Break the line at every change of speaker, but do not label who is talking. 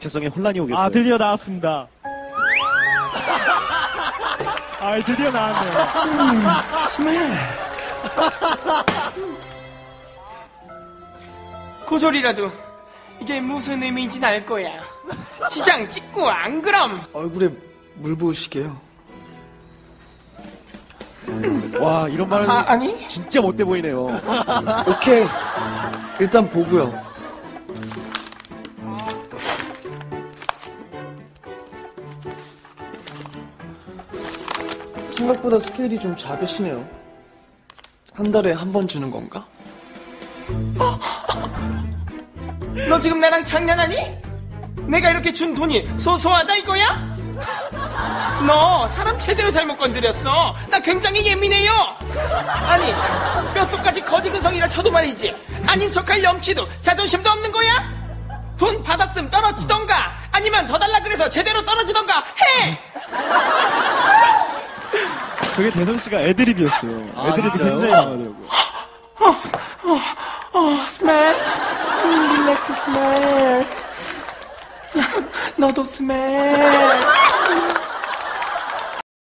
정체성에 혼란이 오겠어요.
아, 드디어 나왔습니다. 아, 드디어 나왔네요.
스멜. 고소리라도 이게 무슨 의미인지는 알 거야. 시장 찍고 안 그럼.
얼굴에 물 부으시게요.
와, 이런 말은
아니?
진짜 못돼 보이네요.
오케이. 일단 보고요. 생각보다 스케일이 좀 작으시네요. 한 달에 한 번 주는 건가?
너 지금 나랑 장난하니? 내가 이렇게 준 돈이 소소하다 이거야? 너 사람 제대로 잘못 건드렸어. 나 굉장히 예민해요. 아니, 뼛속까지 거지근성이라 쳐도 말이지, 아닌 척할 염치도 자존심도 없는 거야? 돈 받았음 떨어지던가 아니면 더 달라 그래서 제대로 떨어지던가 해.
저게 대성씨가 애드립이었어요. 애드립이
진짜요?
굉장히 나가더라고요.
스멜. 릴렉스 스멜. 너도 스멜.